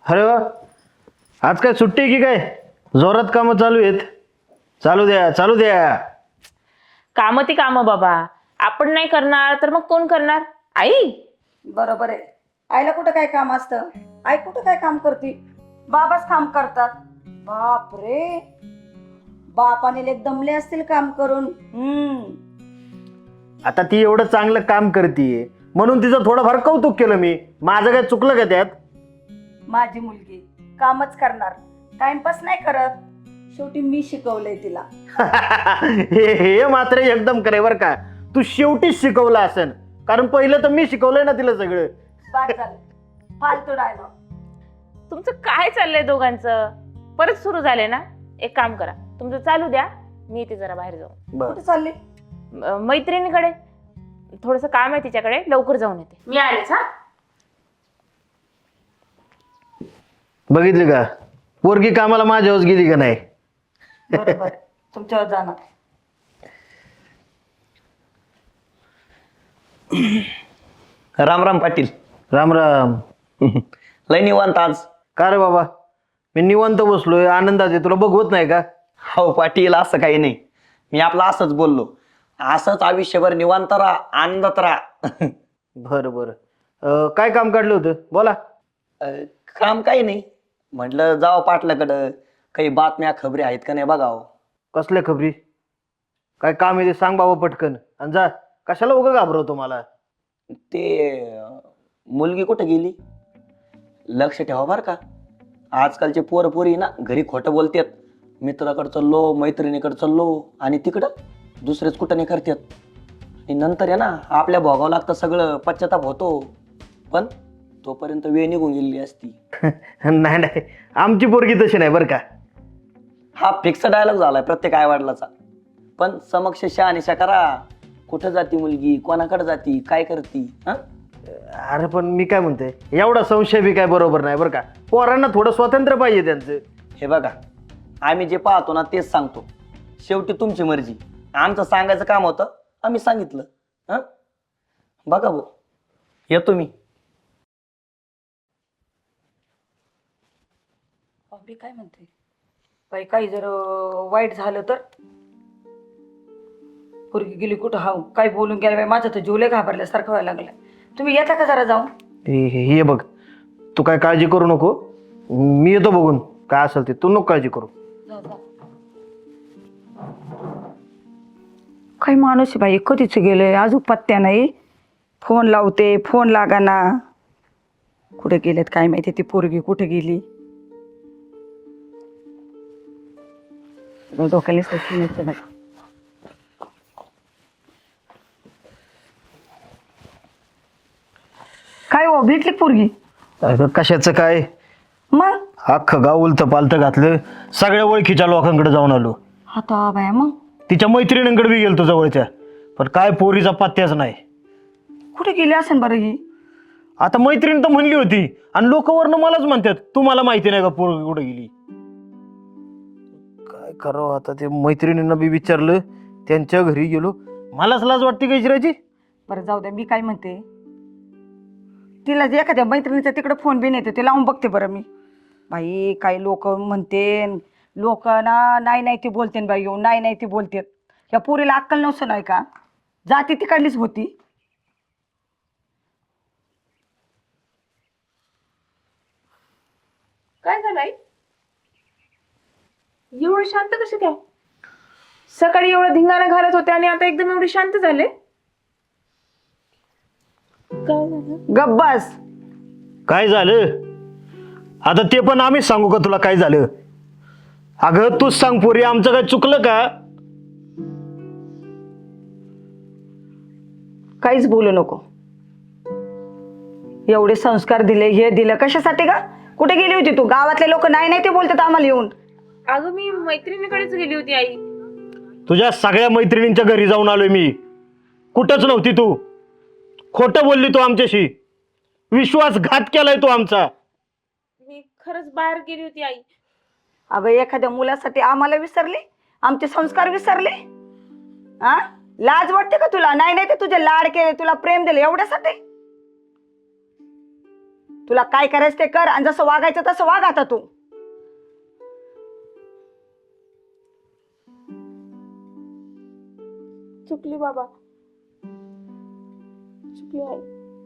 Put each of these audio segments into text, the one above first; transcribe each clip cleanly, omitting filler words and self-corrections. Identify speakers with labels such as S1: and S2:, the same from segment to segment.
S1: अरे वा, आज काय सुट्टी आहे की काय? जोरात कामं चालू आहेत. चालू द्या चालू द्या.
S2: कामं ती कामं बाबा, आपण नाही करणार तर मग कोण करणार? आई.
S3: बरोबर आहे. आईला कुठं काय काम असतं? आई कुठं काय काम करते? बाबाच काम करतात. बाप रे, बापाने लेक दमले असतील काम करून.
S1: आता ती एवढं चांगलं काम करते म्हणून तिचं थोडंफार कौतुक केलं मी. माझं काय चुकलं का त्यात?
S3: माझी मुलगी कामच करणार, टाइमपास नाही करत. शेवटी मी शिकवलंय तिला.
S1: हे मात्र एकदम करे बर का. तू शेवटीच शिकवलं असेल, कारण पहिलं तर मी शिकवलंय ना तिला सगळं.
S3: बाद झालं, फालतू डायलॉग.
S2: तुमचं काय चाललंय दोघांचं? परत सुरू झाले ना? एक काम करा, तुमचं चालू द्या, मी येते जरा बाहेर जाऊन.
S1: बर
S3: कुठे चालली?
S2: मैत्रिणीकडे थोडस काम आहे तिच्याकडे, लवकर जाऊन येते मी. आलेच हा.
S1: बघितली का, पोरगी कामाला माझ्यावर गेली का नाही?
S3: बरोबर, तुमच्यावर जाणार.
S4: राम राम पाटील.
S1: राम राम.
S4: लय निवांत आज.
S1: का रे बाबा, मी निवांत बसलोय, आनंदात आहे. तुला बघवत नाही का?
S4: हो पाटील, असं काही नाही. मी आपलं असंच बोललो. असंच आयुष्यभर निवांत राहा, आनंदात राहा.
S1: बरं बरं. काय काम काढलं होतं बोला.
S4: काम काही नाही, म्हटलं जावं पाटलाकडं, काही बातम्या खबरी आहेत का नाही बघावं.
S1: कसल्या खबरी? काय काम आहे ते सांग बाबा पटकन, आणि जा. कशाला उगा घाबरवतो मला?
S4: ते मुलगी कुठं गेली लक्ष ठेवा बर का. आजकालचे पोर पोरी ना घरी खोटं बोलतात. मित्राकडे चाललो, मैत्रिणीकडे चाललो, आणि तिकडं दुसरेच कुठं नाही करतात. आणि नंतर आहे ना आपल्या भोगावं लागतं सगळं, पश्चाताप होतो. पण तोपर्यंत वेळ निघून गेलेली असती.
S1: नाही नाही, आमची पोरगी तशी नाही बरं का.
S4: हा फिक्स डायलॉग झालाय प्रत्येक आईवडिलाचा. पण समक्ष शहानिशा करा. कुठं जाती मुलगी, कोणाकडे जाती, काय करती? हा,
S1: अरे पण मी काय म्हणते, एवढा संशय बी काय बरोबर नाही बरं का. पोरांना थोडं स्वातंत्र्य पाहिजे त्यांचं.
S4: हे बघा, आम्ही जे पाहतो ना तेच सांगतो. शेवटी तुमची मर्जी. आमचं सांगायचं काम होतं, आम्ही सांगितलं. हा, बघा भाऊ, येतो मी.
S3: बापरे, काय म्हणते बाई? काही जर वाईट झालं तर? पोरगी गेली कुठं? हाव काय बोलून गेला बाई? माझं तर जीवले घाबरल्यासारखं व्हायला लागलंय. तुम्ही येता का जरा जाऊन?
S1: हे बघ, तू काय काळजी करू नको, मी येतो बघून. काय असेल ते, तू नको काळजी करू.
S3: जा, जा. काही माणूस आहे बाई, कधीच गेले, अजून पत्त्या नाही. फोन लावते, फोन लागाना. कुठे गेलेत काय माहिती, ती पोरगी कुठे गेली? डोक्याला सचिन येते बाई. काय हो, भेटली पोरगी?
S1: अगं कशाचं काय,
S3: मग
S1: अख्खं गाव उलतं पालतं घातलं. सगळ्या ओळखीच्या लोकांकडे जाऊन आलो.
S3: आता बाया, मग
S1: तिच्या मैत्रिणींकडे बी गेलतो जवळच्या, पण काय पोरीचा पत्त्याच नाही.
S3: कुठे गेली असेल बरं ही?
S1: आता मैत्रीण तर म्हणली होती, आणि लोक वरनं मलाच म्हणतात, तुम्हाला माहिती नाही का पोरगी कुठे गेली? काय करावं आता, ते मैत्रिणींना बी विचारलं, त्यांच्या घरी गेलो. मलाच लाज वाटते का विचारायची?
S3: बरं जाऊ द्या, मी काय म्हणते, तिला जे एखाद्या मैत्रिणीचा तिकडे फोन बिन येते, ते लावून बघते बरं मी. बाई काही लोक म्हणते, लोक ना नाही नाही ती बोलते बाई, येऊन नाही नाही ती बोलते. या पोरीला अक्कल नव्हतं नाही का? जाती तिकडलीच होती.
S2: काय झालंय? एवढं शांत कसे काय? सकाळी एवढं धिंगाणा घालत होते आणि आता एकदम एवढे शांत झाले. काय झालं?
S3: गब्बस.
S1: काय झालं आता ते पण आम्हीच सांगू का तुला काय झालं? अगं तूच सांग पोरी, आमचं काय चुकलं का?
S3: काहीच बोलू नको. एवढे संस्कार दिले, हे दिलं कशासाठी का? कुठे गेली होती तू? गावातले लोक नाही नाही ते बोलतात आम्हाला येऊन.
S2: अगं मी मैत्रिणीकडेच गेली होती आई.
S1: तुझ्या सगळ्या मैत्रिणींच्या घरी जाऊन आलोय मी. कुठंच नव्हती तू. खोटं बोलली तू आमच्याशी. विश्वासघात केलाय तू आमचा.
S2: मी खरंच बाहेर गेली होती आई.
S3: अगं एखाद्या मुलासाठी आम्हाला विसरली, आमचे संस्कार विसरले? हा, लाज वाटते का तुला? नाही नाही ते तुझे लाड केले, तुला प्रेम दिले एवढ्यासाठी? तुला काय करायचं ते कर आणि जसं वागायचं तसं वाग आता तू.
S2: चुकली बाबा, चुकली आई.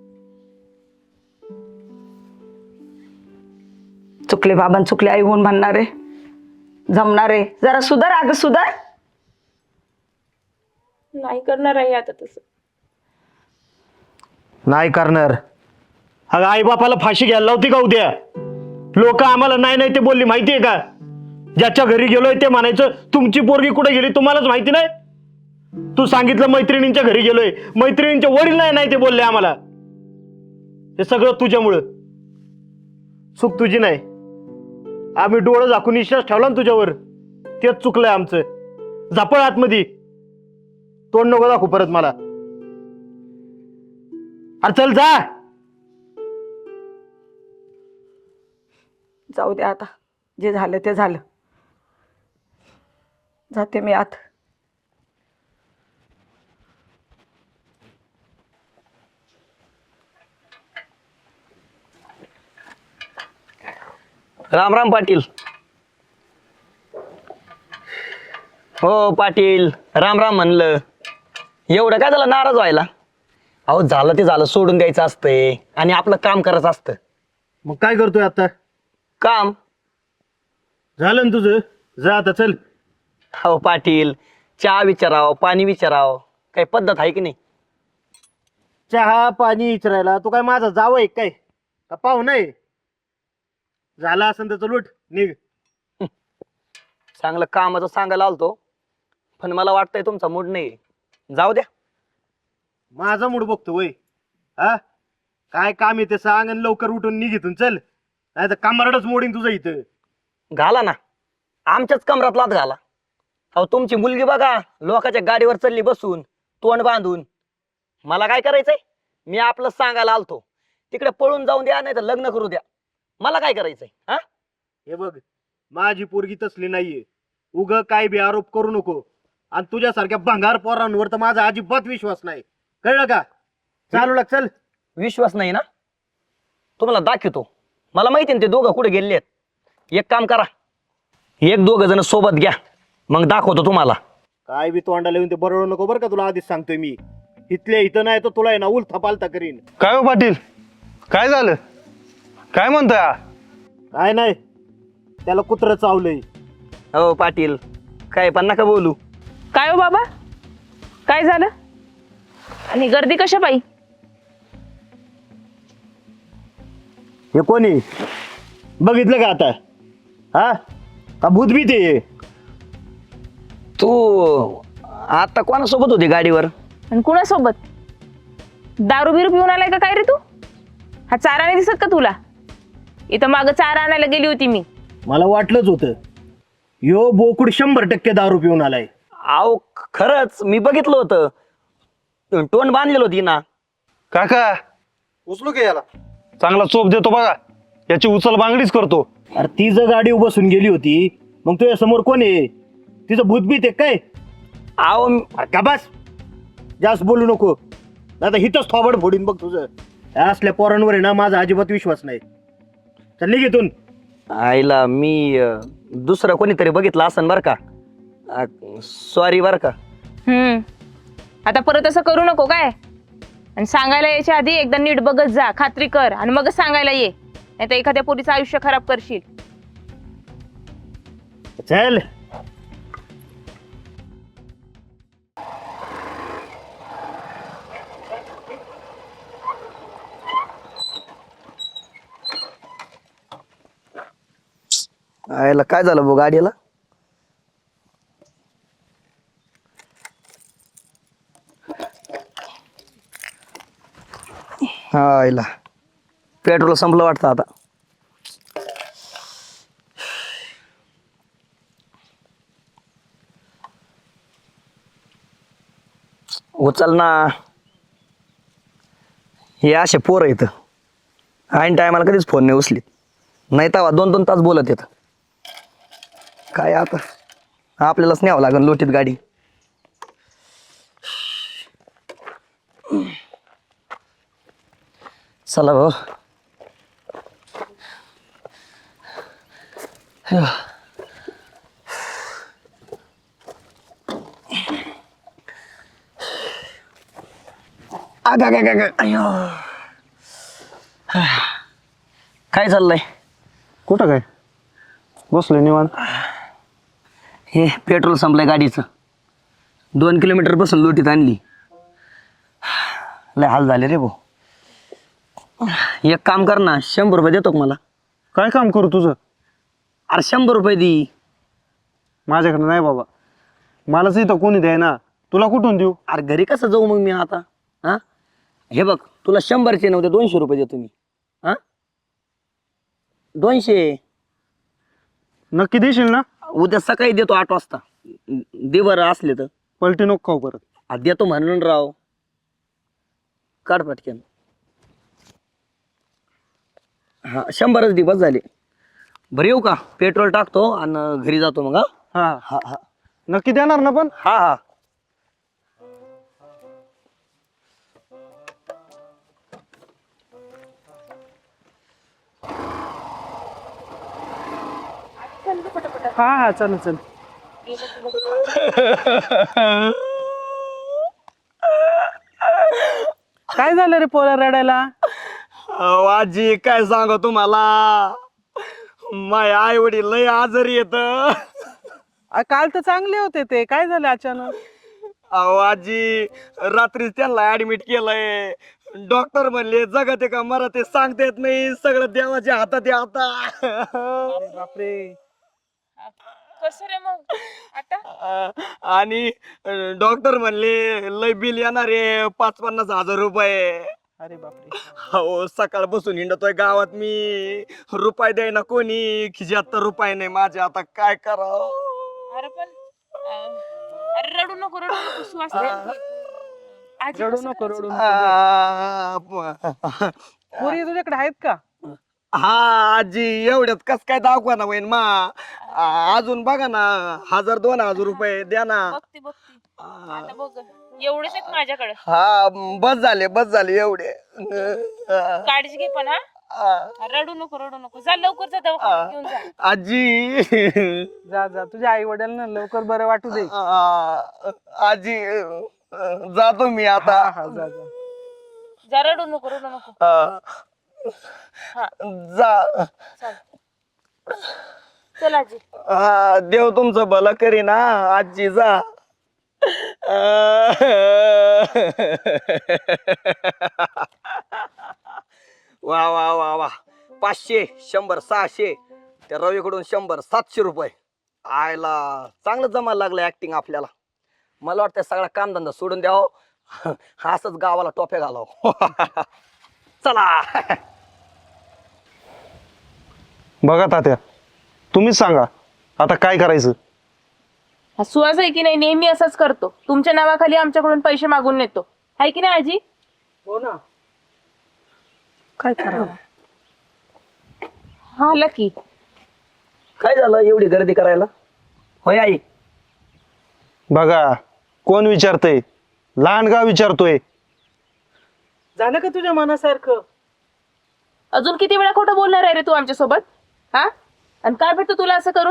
S3: चुकले बाबां चुकले आई होऊन म्हणणारे जमणारे. जरा सुधार अगं सुधार.
S2: नाही करणार आई आता तसं.
S1: नाही करणार. अगं आई बापाला फाशी घ्यायला लावती का उद्या? लोक आम्हाला नाही नाही ते बोलली माहितीये का? ज्याच्या घरी गेलोय ते म्हणायचं तुमची पोरगी कुठे गेली तुम्हालाच माहिती नाही. तू सांगितलं मैत्रिणींच्या घरी गेलोय, मैत्रिणींचे वडील नाही नाही ते बोलले आम्हाला. हे सगळं तुझ्यामुळं. चूक तुझी नाही. आम्ही डोळं झाकून विश्वास ठेवला ना तुझ्यावर, तेच चुकलंय आमचं. झापळ आतमध्ये, तोंड नको दाखवू परत मला. अरे चल जा.
S3: जाऊ दे आता, जे झालं ते झालं. जाते मी आत.
S4: राम राम पाटील. हो पाटील, राम राम म्हणलं. एवढं काय झालं नाराज व्हायला? अहो झालं ते झालं, सोडून द्यायचं असतंय आणि आपलं काम करायचं असतं.
S1: मग काय करतोय आता?
S4: काम
S1: झालं ना तुझं, जा आता चल.
S4: हो पाटील, चहा विचाराव, पाणी विचाराव, काही पद्धत आहे की नाही?
S1: चहा पाणी विचारायला तू काय माझा जावं आहे काय का पाहुणा आहे? झाला असं त्याचं लूट निघ.
S4: चांगलं कामाचं सांगायला आलतो, पण मला वाटतंय तुमचा मूड नाही. जाऊ द्या.
S1: माझा मूड बघतो वय. हा काय काम येते सांग आणि लवकर उठून निघ इथून चल, नाही तर कामारडच मोडीन तुझं इथं.
S4: घाला ना, आमच्याच कमरात लात घाला. अहो तुमची मुलगी बघा, लोकांच्या गाडीवर चालली बसून, तोंड बांधून. मला काय करायचंय? मी आपलं सांगायला आलतो. तिकडे पळून जाऊन द्या, नाही तर लग्न करू द्या. मला काय करायचंय? हा
S1: हे बघ, माझी पोरगी तसली नाहीये. उग काय बी आरोप करू नको. आणि तुझ्यासारख्या भंगार पोरांवर तर माझा अजिबात विश्वास नाही, कळलं का? चालू लाग चल.
S4: विश्वास नाही ना? तुम्हाला दाखवतो. मला माहिती ना ते दोघं कुठे गेले आहेत. एक काम करा, एक दोघ जण सोबत घ्या, मग दाखवतो तुम्हाला.
S1: काय बी तोंडाला येऊन ते बरोबर नको बरं का, तुला आधीच सांगतोय मी. इथल्या इथं नाही तर तुला आहे ना उलथा पालथा करीन.
S5: काय हो पाटील, काय झालं? काय म्हणतोय हा?
S1: काय नाही, त्याला कुत्रं चावलंय.
S4: हो पाटील, काय पण नका बोलू.
S2: काय हो बाबा, काय झालं? आणि गर्दी कशा पायी?
S1: हे कोणी बघितलं का आता? हा का भूतबी ते?
S4: तू आता कोणासोबत होती गाडीवर?
S2: आणि कुणासोबत? दारू बिरू पिऊन आलाय का काय रे तू? हा चारा नाही दिसत का तुला? इथं मागं चारा आणायला गेली होती मी.
S1: मला वाटलंच होतं, यो बोकुड 100% दारू पिऊन आलाय.
S4: अहो खरंच मी बघितलं होतं, तोंड बांधलेलं होती ना.
S5: काका उचलू का याला? चांगला चोप देतो बघा, याची उचल बांगडीच करतो.
S1: अरे ती जर गाडी बसून गेली होती, मग तुझ्या समोर कोण आहे? तिचं भूतबीत आहे काय?
S4: अहो
S1: अरे का बस, जास्त बोलू नको, नाही तर हिथंच थोबड फोडीन बघ तुझं. असल्या पोरांवर आहे ना माझा अजिबात विश्वास नाही. चल निघ इथून.
S4: आईला मी दुसरं कोणीतरी बघितलं असन बर का. सॉरी बर का.
S2: आता परत असं करू नको काय. आणि सांगायला यायच्या आधी एकदा नीट बघत जा, खात्री कर आणि मगच सांगायला ये, नाही तर एखाद्या पोरीचं आयुष्य खराब करशील.
S1: चल.
S4: आईला काय झालं भाऊ गाडीला? हा आईला पेट्रोल संपलं वाटतं आता. उचल ना. हे असे पोरं इथं ऐन टायमाला कधीच फोन नाही उचलीत, नाही तर 2-2 तास बोलत येत. काय आता आपल्यालाच न्यावं लागेल लोटीत गाडी. चला भाऊ. काय चाललंय?
S5: कुठं काय बसलोय निवांत.
S4: हे पेट्रोल संपलंय गाडीचं. 2 किलोमीटर बसून लोटीत आणली. लय हाल झाले रे भाऊ. एक काम कर ना, 100 रुपये देतो का मला?
S5: काय काम करू तुझं?
S4: अरे 100 रुपये दे.
S5: माझ्याकडे नाही बाबा, मलाच इथं कोणी द्याय ना, तुला कुठून देऊ?
S4: अरे घरी कसं जाऊ मग मी आता? हा, हे बघ, तुला 100चे नव्हते 200 रुपये देतो मी. हा, 200.
S5: नक्की देशील ना?
S4: उद्या सकाळी देतो 8 वाजता. दे बरं असले तर.
S5: पलटी नको खाऊ परत.
S4: देतो म्हणून राव. काढ पटकन. हा 100च दे, बस झाले. बरं येऊ का? पेट्रोल टाकतो आणि घरी जातो मग. हा
S5: हा,
S4: हा हा
S5: नक्की देणार ना पण?
S4: हा हा.
S5: हा हा, चल चल. काय झालं रे पोरा रडायला?
S4: आजी काय सांगू तुम्हाला, माझे आई वडील लय आजारी येत.
S5: काल तर चांगले होते ते, काय झालं अचानक?
S4: अहो आजी, रात्री त्यांना ऍडमिट केलंय. डॉक्टर म्हणले जगत आहे का मरत आहे सांगता येत नाही, सगळं देवाच्या हातात आहे आता.
S5: बापरे.
S2: कसं रे मग आता?
S4: आणि डॉक्टर म्हणले लय बिल येणार आहे 5-50 हजार रुपये.
S5: अरे बापरे.
S4: हो, सकाळ बसून हिंडतोय गावात मी, रुपये द्याय ना कोणी, खिशात तर रुपये नाही माझे, आता काय करावं?
S2: अरे पण अरे रडू नको सुहास. आजी
S5: रडू
S2: कसं
S5: नको
S2: करायचं?
S5: रडू नको. पोरी तुझ्याकडे आहेत का?
S4: हा आजी, एवढ्यात कस काय दाखवा ना होईन मा. अजून बघा ना, 1000-2000 रुपये द्या ना.
S2: बघते आता बघ, एवढेच आहेत माझ्याकडे.
S4: हा, बस झाले एवढे.
S2: काळजी घे पण. हा, रडू नको जा लवकर, जा दवाखान्यात घेऊन जा.
S4: आजी,
S5: जा जा, तुझ्या आई वडिलांना लवकर बरं वाटू दे.
S4: आजी, जातो मी आता.
S5: हा जा जा.
S2: जा, रडू नको. हा,
S4: जा.
S2: चल आजी.
S4: हा, देव तुमचं भलं करी ना आजी, जा. वा वा वा वा. 500, 100, 600. त्या रवीकडून 100, 700 रुपये. आयला चांगलं जमायला लागलं ऍक्टिंग आपल्याला. मला वाटतं सगळा कामधंदा सोडून द्यावं, असंच गावाला टोप्या घालावं. चला.
S5: बघा तात्या, तुम्हीच सांगा आता काय करायचं.
S2: हा सुहास आहे की नाही, नेहमी असंच करतो. तुमच्या नावाखाली आमच्याकडून पैसे मागून नेतो, आहे की नाही आजी?
S5: हो ना.
S3: काय करावं?
S2: हा लकी.
S4: काय झालं एवढी गर्दी करायला? होय आई.
S5: बघा कोण विचारतय, लहान गाव विचारतोय. झालं का तुझ्या मनासारखं?
S2: अजून किती वेळा खोटं बोलणार आहे रे तू आमच्या सोबत? हा, आणि काय भेटतो तुला असं करून?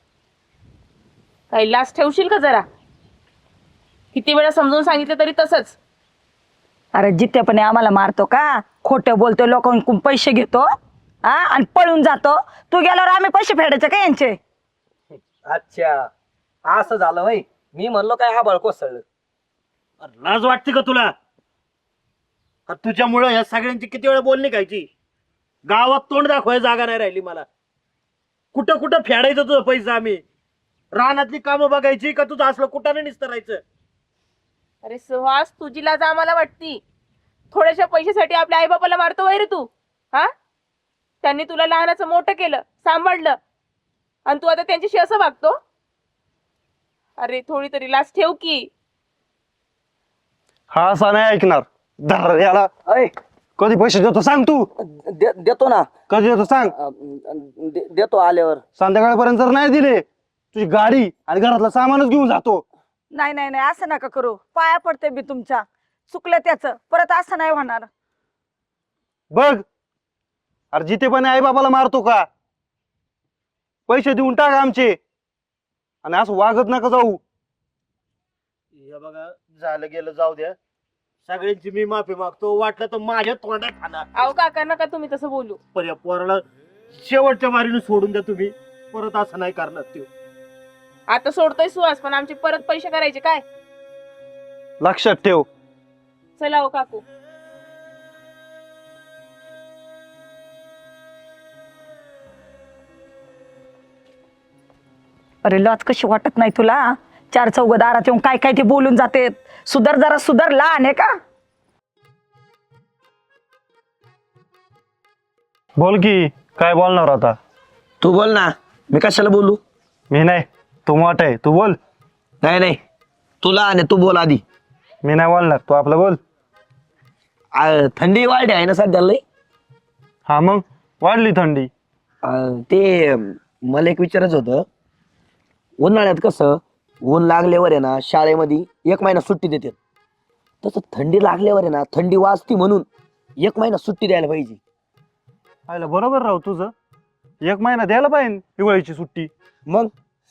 S2: काही लाज ठेवशील का जरा? किती वेळा समजून सांगितलं तरी तसंच.
S3: अरे जित्तेपणे आम्हाला मारतो का? खोटं बोलतो, लोकांकडून पैसे घेतो हा आणि पळून जातो. तू गेल्यावर आम्ही पैसे फेडायचे का यांचे?
S4: अच्छा, असं झालं होय. मी म्हणलो काय हा बळको कोसळलं.
S1: लाज वाटते का तुला? तुझ्यामुळं या सगळ्यांची किती वेळा बोलणी खायची. गावात तोंड दाखवायला जागा नाही राहिली मला. कुठं कुठं फेडायचं तुझं पैसा आम्ही? रानातली कामं बघायची का तुझं असलं कुठाने निस्तरायचं?
S2: अरे सुहास, तुझी लाज आम्हाला वाटती. थोड्याशा पैशासाठी आपल्या आईबापाला मारतो वय रे तू? हा, त्यांनी तुला लहानाचं मोठं केलं, सांभाळलं, आणि तू आता त्यांच्याशी असं वागतो? अरे थोडी तरी लाज ठेव की.
S5: हा असा नाही ऐकणार. धर याला.
S4: अय,
S5: कधी पैसे देतो सांग तू?
S4: देतो ना.
S5: कधी देतो सांग?
S4: देतो आल्यावर.
S5: संध्याकाळपर्यंत जर नाही दिले, तुझी गाडी आणि घरातलं सामानच घेऊन जातो.
S3: नाही नाही नाही, असं नका करू. पाया पडते मी तुमच्या. चुकलं त्याचं, परत असं नाही होणार.
S5: बघ, अरे जिथे पण आई बाबाला मारतो का? पैसे देऊन टाका आमचे आणि असं वागत नका जाऊ.
S1: हे बघा झालं गेलं जाऊ द्या. सगळ्यांची मी माफी मागतो. वाटलं तर माझ्या तोंडात आणा.
S2: अहो काका नका तुम्ही तसं बोलू.
S1: पण या पोराला शेवटच्या मारीने सोडून द्या तुम्ही. परत असं नाही करणार ते.
S2: आता सोडतोय सुहास पण आमचे परत पैसे करायचे काय?
S5: लक्षात ठेव.
S2: चला हो काकू.
S3: अरे लाज कशी वाटत नाही तुला? चार चौघदारात येऊन काय काय ते बोलून जाते. सुधर जरा सुधर, लहान आहे का?
S5: बोल की काय बोलणार आता?
S4: तू बोल ना, मी कशाला बोलू?
S5: मी नाही, तू मोठा आहे, तू बोल.
S4: नाही नाही, तुला आणि तू बोल आधी.
S5: मी नाही बोलणार, तू आपलं बोल.
S4: थंडी वाढली आहे ना सध्या लई.
S5: हा मग वाढली थंडी.
S4: ते मला एक विचारायचं होतं. उन्हाळ्यात कसं ऊन लागल्यावर आहे ना शाळेमध्ये 1 महिना सुट्टी देतात, तसं थंडी लागल्यावर आहे ना थंडी वाजती म्हणून 1 महिना सुट्टी द्यायला पाहिजे.
S5: आयला बरोबर राव तुझं. 1 महिना द्यायला पाहिजे हिवाळीची सुट्टी.
S4: मग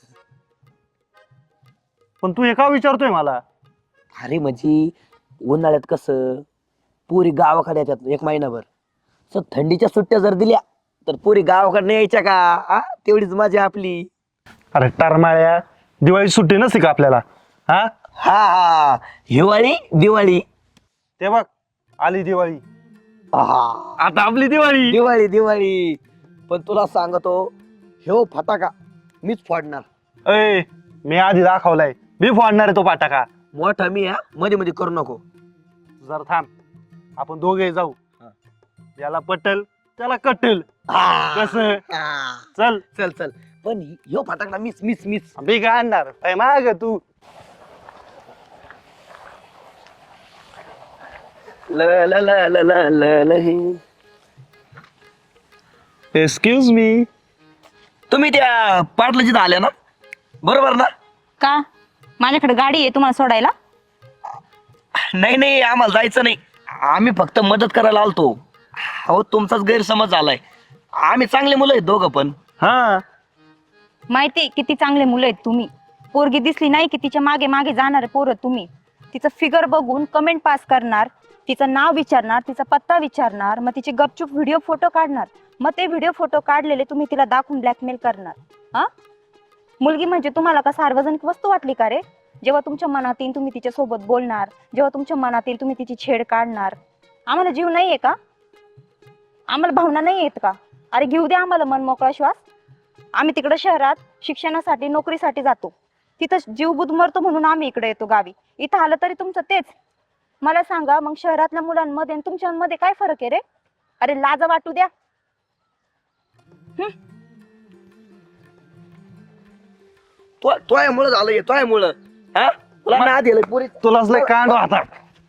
S5: पण तू हे का विचारतोय मला?
S4: अरे म्हणजे उन्हाळ्यात कसं पुरी गावाकडे येतात 1 महिनाभर. तर थंडीच्या सुट्ट्या जर दिल्या तर पुरी गावाकडे नाही यायच्या का? आ तेवढीच मजा आपली.
S5: अरे टरमाळ्या, दिवाळी सुट्टी नसते का आपल्याला? हा
S4: हा हा, हिवाळी दिवाळी.
S5: ते बघ आली दिवाळी.
S4: आहा,
S5: आता आपली दिवाळी.
S4: दिवाळी दिवाळी. पण तुला सांगतो ह्यो फटाका मीच फोडणार.
S5: अय मी आधी दाखवलाय, मी फोडणार आहे तो फटाका.
S4: मोठा मी हा, मध्ये मध्ये करू नको.
S5: जर थांब, आपण दोघे जाऊ. याला पटल त्याला कटल.
S4: हा,
S5: कसं?
S4: हा.
S5: चल
S4: चल चल. पण ह्यो फटाका मीच मीच मीच.
S5: मी काय आणणार काय माग तू?
S4: ल ल ल ल ल ल ल हे.
S5: Excuse me.
S4: तुम्ही त्या पाटलाची आल्या ना, बरोबर ना?
S6: का? माझ्याकडे गाडी आहे तुम्हाला सोडायला?
S4: नाही नाही, आम्हाला जायचं नाही. आम्ही फक्त मदत करायला आलतो. हो, तुमचाच गैरसमज झालाय. आम्ही चांगले मुलं आहेत दोघं पण.
S5: हा
S6: माहिती किती चांगले मुलं आहेत तुम्ही. पोरगी दिसली नाही की तिच्या मागे मागे जाणारे पोरं तुम्ही. तिचं फिगर बघून कमेंट पास करणार, तिचं नाव विचारणार, तिचा पत्ता विचारणार, मग तिचे गपचूप व्हिडिओ फोटो काढणार. मग ते व्हिडिओ फोटो काढलेले तुम्ही तिला दाखवून ब्लॅकमेल करणार. हा, मुलगी म्हणजे तुम्हाला का सार्वजनिक वस्तू वाटली का रे? जेव्हा तुमच्या मनात येईल तुम्ही तिच्या सोबत बोलणार, जेव्हा तुमच्या मनात येईल तुम्ही तिची छेड काढणार. आम्हाला जीव नाहीये का? आम्हाला भावना नाही येत का? अरे घेऊ द्या आम्हाला मन मोकळा श्वास. आम्ही तिकडे शहरात शिक्षणासाठी नोकरीसाठी जातो, तिथं जीव बुध मरतो म्हणून आम्ही इकडे येतो गावी. इथं आलं तरी तुमचं तेच. मला सांगा मग शहरातल्या मुलांमध्ये आणि तुमच्यामध्ये काय फरक आहे रे? अरे लाज वाटू द्या.
S4: तोयामुळं झालं, तोयामुळं. हा, तुला ना दिलं पुरी.
S5: तुलाच लय कांड आता.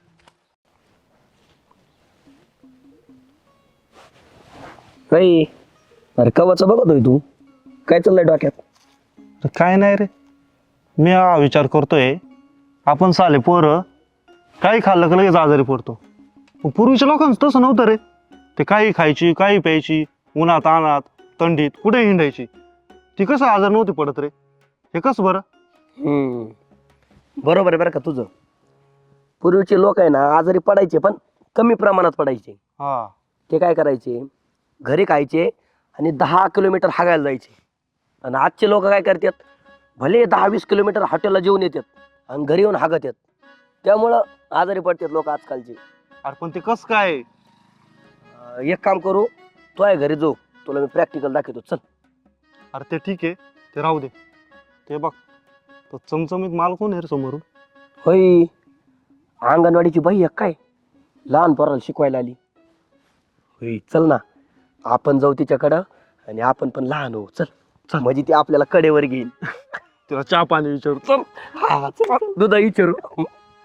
S4: अरे कवाचं बघतोय तू? काय चाललंय डोक्यात?
S5: काय नाही रे, मी हा विचार करतोय आपण साले पोरं काही खाल्लं का लगेच आजारी पडतो. पण पूर्वीच्या लोकांचं तसं नव्हतं रे. ते काही खायची काही प्यायची, उन्हात अनात थंडीत कुठे हिंडायची. ती कसं आजार नव्हती पडत रे? हे कसं बरं?
S4: बरोबर आहे बरं का तुझं. पूर्वीचे लोक आहे ना आजारी पडायचे पण कमी प्रमाणात पडायचे.
S5: हा
S4: ते काय करायचे, घरी खायचे आणि 10 किलोमीटर हागायला जायचे. आणि आजचे लोक काय करतात, भले 10-20 किलोमीटर हॉटेलला जेवून येतात आणि घरी येऊन हागत येतात. त्यामुळं आजारी पडतात लोक आजकालचे.
S5: अरे पण ते कसं काय?
S4: एक काम करू, तो आहे घरी जाऊ, तुला मी प्रॅक्टिकल दाखवतो. चल.
S5: अरे ते ठीक आहे, ते राहू दे. ते बघ तो चमचमीत माल कोण आहे रे समोरून?
S4: होय, अंगणवाडीची बाई आहे काय, लहान पोराला शिकवायला आली. होय, चल ना आपण जाऊ तिच्याकडं आणि आपण पण लहान होऊ. चल चल, म्हणजे ती आपल्याला कडेवर घेईल.
S5: तिला चहा पाणी विचारू.
S4: चल. हा चल, दुधा विचारू.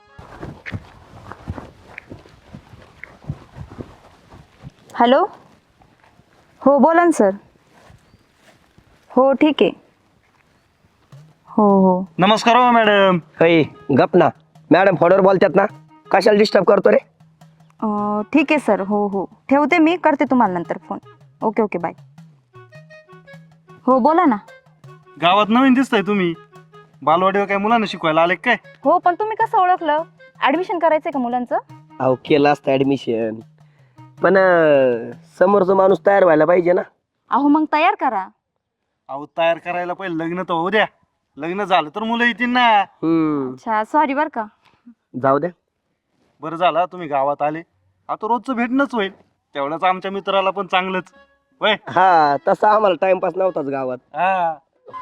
S6: हॅलो, हो बोला ना सर. हो ठीक आहे. हो हो.
S5: नमस्कार हो मॅडम.
S4: होय, गप ना. मॅडम फोनवर बोलतात ना, कशाला डिस्टर्ब करतो रे?
S6: ठीक आहे सर. हो हो ठेवते, मी करते तुम्हाला नंतर फोन. Okay okay bye. हो बोला ना.
S5: गावात नवीन दिसताय तुम्ही. बालवाडीवर काय मुलांना शिकवायला आले काय?
S6: हो, पण तुम्ही कसं ओळखलं? ऍडमिशन करायचंय का मुलांचं?
S4: अहो केलं असतं ऍडमिशन, पण समोरचा माणूस तयार व्हायला पाहिजे ना.
S6: अहो मग तयार करा.
S5: अहो तयार करायला पहिले लग्न तर होऊ द्या. लग्न झालं तर मुलं येतील ना.
S6: अच्छा, सॉरी बर का.
S4: जाऊ द्या.
S5: बरं झालं तुम्ही गावात आले. आता रोजचं भेटणंच होईल. तेवढंच आमच्या मित्राला पण चांगलंच. वय
S4: हा, तसा आम्हाला टाइमपास नव्हताच गावात.
S5: हा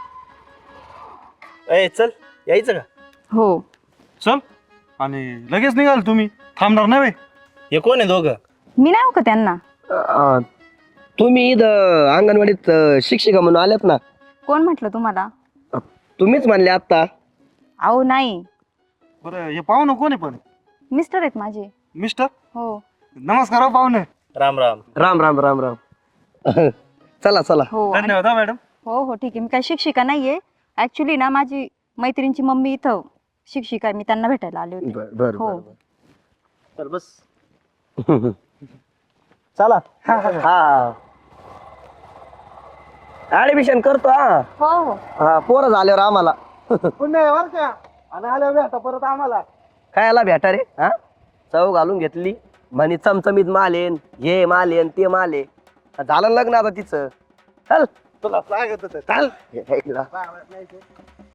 S1: ए चल, यायचं का?
S6: हो.
S5: चल. आणि लगेच निघाल तुम्ही, थांबणार नाही व्हय?
S1: हे कोण आहे दोघं?
S6: मी नाही हो का त्यांना?
S4: तुम्ही इथं अंगणवाडीत शिक्षिका म्हणून आल्यात ना?
S6: कोण म्हटलं तुम्हाला?
S4: तुम्हीच म्हणले आता.
S6: अहो नाही,
S5: बरं हे पाहुणं कोण आहे पण?
S6: मिस्टर आहेत माझे.
S5: मिस्टर?
S6: हो
S5: नमस्कार हो पाहुणे.
S1: राम राम.
S4: राम राम राम राम. चला चला.
S6: हो आणि-
S5: धन्यवाद हा मॅडम.
S6: हो हो ठीक आहे. मी काही शिक्षिका नाहीये. ऍक्च्युली ना माझी मैत्रिणीची मम्मी इथं शिक्षिका आहे. मी त्यांना भेटायला आले होते.
S4: बर बर
S6: हो.
S1: तर बस.
S4: चला. हा ऍडमिशन करतो. हा
S6: हो हो.
S4: हा, पोरं झाल्यावर आम्हाला
S5: पुन्हा बर का? आणि आल्यावर भेटा परत आम्हाला.
S4: खायला भेटा रे. हा, चव घालून घेतली म्हणे चमचमीत मालेन, हे मालेन ते माले. झालं लग्न आता तिचं. चल
S5: तुला सांगत होतं.
S4: चल.